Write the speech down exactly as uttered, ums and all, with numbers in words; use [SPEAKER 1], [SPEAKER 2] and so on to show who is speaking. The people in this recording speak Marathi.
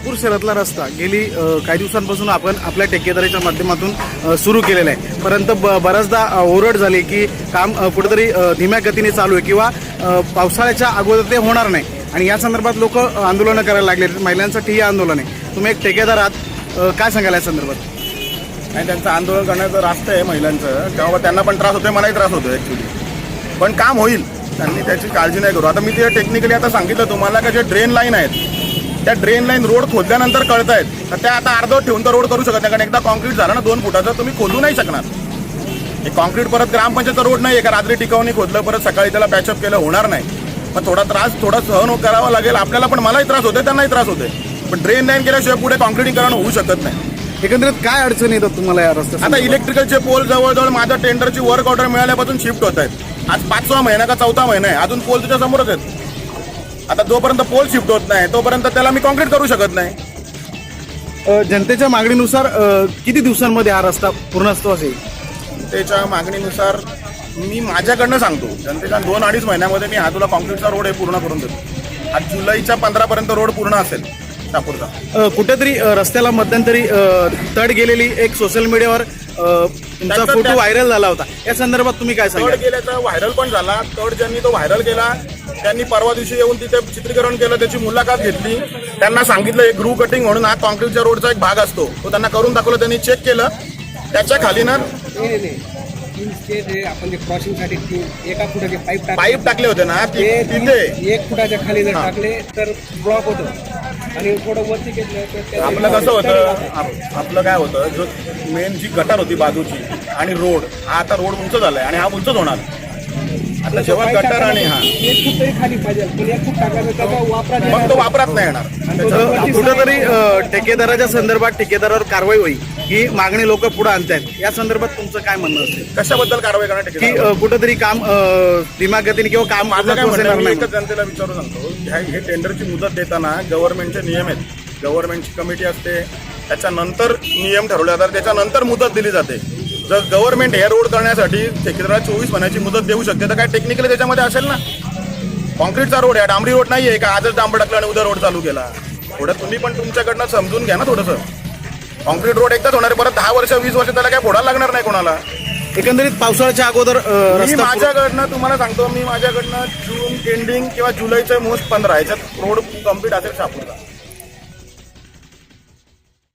[SPEAKER 1] शहापूर शहरातला रस्ता गेली अ, काही दिवसांपासून आपण आपल्या ठेकेदारीच्या माध्यमातून सुरू केलेला आहे, परंतु ब बऱ्याचदा अ, ओरड झाली की काम अ, कुठेतरी अ, धीम्या गतीने चालू आहे किंवा अ, पावसाळ्याच्या अगोदर ते होणार नाही आणि या संदर्भात लोक आंदोलनं करायला लागले. महिलांसाठी हे आंदोलन आहे. तुम्ही एक ठेकेदार आहात, अ, काय सांगाल या संदर्भात?
[SPEAKER 2] आणि त्यांचं आंदोलन करण्याचं रास्ता आहे महिलांचं, तेव्हा त्यांना पण त्रास होतोय, मलाही त्रास होतो ॲक्च्युली, पण काम होईल. त्यांनी त्याची काळजी नाही करू. आता मी ते टेक्निकली आता सांगितलं तुम्हाला का जे ड्रेन लाईन आहेत त्या ड्रेन लाईन रोड खोदल्यानंतर कळत आहेत तर त्या आता अर्धवट ठेवून तर रोड करू शकत नाही, कारण एकदा कॉन्क्रीट झालं ना दोन फुटाचं तुम्ही खोदू नाही शकणार. हे कॉन्क्रीट परत ग्रामपंचायतचा रोड नाही आहे का रात्री टिकावणी खोदलं परत सकाळी त्याला पॅचअप केलं, होणार नाही. पण थोडा त्रास थोडा सहन करावा लागेल आपल्याला, पण मलाही त्रास होतोय त्यांनाही त्रास होतोय. पण ड्रेन लाईन केल्याशिवाय पुढे कॉन्क्रीटीकरण होऊ शकत नाही.
[SPEAKER 1] एकंदरीत काय अडचणी येतात तुम्हाला या रस्त्यात?
[SPEAKER 2] आता इलेक्ट्रिकलचे पोल जवळजवळ माझ्या टेंडरची वर्क ऑर्डर मिळाल्यापासून शिफ्ट होत आहेत. आज पाचवा महिना का चौथा महिना आहे, अजून पोल तुझ्या समोरच आहेत. आता जोपर्यंत पोल शिफ्ट होत नाही तोपर्यंत त्याला मी कॉन्क्रीट करू शकत नाही.
[SPEAKER 1] अ, जनतेच्या मागणीनुसार अ, किती दिवसांमध्ये हा रस्ता पूर्णत्वास येईल?
[SPEAKER 2] त्याच्या मागणीनुसार मी माझ्याकडनं सांगतो, जनतेच्या दोन अडीच महिन्यामध्ये मी हा तुला कॉन्क्रीटचा रोड हे पूर्ण करून देतो. आज जुलैच्या पंधरा पर्यंत रोड पूर्ण असेल शहापूरचा.
[SPEAKER 1] अ, कुठेतरी अ, रस्त्याला मध्यंतरी अ, तड गेलेली एक सोशल मीडियावर अ, तुमचा
[SPEAKER 2] त्याचं
[SPEAKER 1] फोटो
[SPEAKER 2] त्या-
[SPEAKER 1] व्हायरल झाला होता, या संदर्भात तुम्ही काय
[SPEAKER 2] तड
[SPEAKER 1] सांगाल?
[SPEAKER 2] गेल्याचा व्हायरल पण झाला. तड ज्यांनी तो व्हायरल केला त्यांनी परवा दिवशी येऊन तिथे चित्रीकरण केलं, त्याची मुलाखत घेतली, त्यांना सांगितलं एक ग्रू कटिंग म्हणून हा कॉन्क्रीटच्या रोडचा एक भाग असतो तो त्यांना करून दाखवलं, त्यांनी चेक केलं. त्याच्या खाली ना
[SPEAKER 3] आपण जे क्रॉसिंगसाठी तीन एका फुटाचे पाईप टाकले
[SPEAKER 2] पाईप टाकले होते ना ति-
[SPEAKER 3] ते
[SPEAKER 2] तिथे
[SPEAKER 3] एक फुटाच्या खाली जर
[SPEAKER 2] हा.
[SPEAKER 3] टाकले तर ब्लॉक होतो आणि थोडं वरती घेतलं तर त्याचे
[SPEAKER 2] आपलं कसं होतं आप- आपलं काय होतं, जो मेन जी गटार होती बाजूची आणि रोड हा आता रोड उंच झालाय आणि हा उंचच होणार. आता जेव्हा
[SPEAKER 3] पाईप
[SPEAKER 2] गटार आणि हा
[SPEAKER 3] टाकायला एक फूट तरी खाली पाहिजे, पण एक फूट टाकायचं त्याचा वापरात
[SPEAKER 2] मग तो वापरात नाही येणार.
[SPEAKER 1] अ, कुठेतरी अ, ठेकेदाराच्या संदर्भात ठेकेदारावर कारवाई होईल ही मागणी लोक पुढे आणतायत, या संदर्भात तुमचं काय म्हणणं असेल?
[SPEAKER 2] कशाबद्दल कारवाई करणार
[SPEAKER 1] की
[SPEAKER 2] ठेकेदार?
[SPEAKER 1] अ, कुठेतरी काम अ, धीम्या गतीने किंवा काम
[SPEAKER 2] माझं काय
[SPEAKER 1] पूर्णत्वास
[SPEAKER 2] म्हणणं
[SPEAKER 1] येणार
[SPEAKER 2] मी
[SPEAKER 1] नाही?
[SPEAKER 2] एकच जनतेला विचारू सांगतो, ह्या- हे टेंडरची मुदत देताना गव्हर्नमेंटचे नियम आहेत, गव्हर्नमेंटची कमिटी असते, त्याच्यानंतर नियम ठरवले जातात, त्याच्यानंतर मुदत दिली जाते. जर गव्हर्नमेंट हे रोड करण्यासाठी ठेकेदाराला चोवीस महिन्याची मुदत देऊ शकते तर काय टेक्निकली त्याच्यामध्ये असेल ना. कॉन्क्रीटचा रोड आहे, डांबरी रोड नाही आहे का आजच डांबर टाकला आणि उद्या रोड चालू केला. थोडं तुम्ही पण तुमच्याकडनं समजून घ्या ना थोडंसं. कॉन्क्रीट रोड एकदाच होणार आहे, परत दहा वर्ष वीस वर्ष त्याला काय फोडायला लागणार नाही कोणाला.
[SPEAKER 1] एकंदरीत पावसाळ्याच्या अगोदर अ,
[SPEAKER 2] मी
[SPEAKER 1] रस्ता
[SPEAKER 2] माझ्याकडनं तुम्हाला सांगतो, मी माझ्याकडनं जून एंडिंग किंवा जुलैच्या मोस्ट पंधरा ह्याच्यात रोड कम्प्लीट असेल शहापूरचा.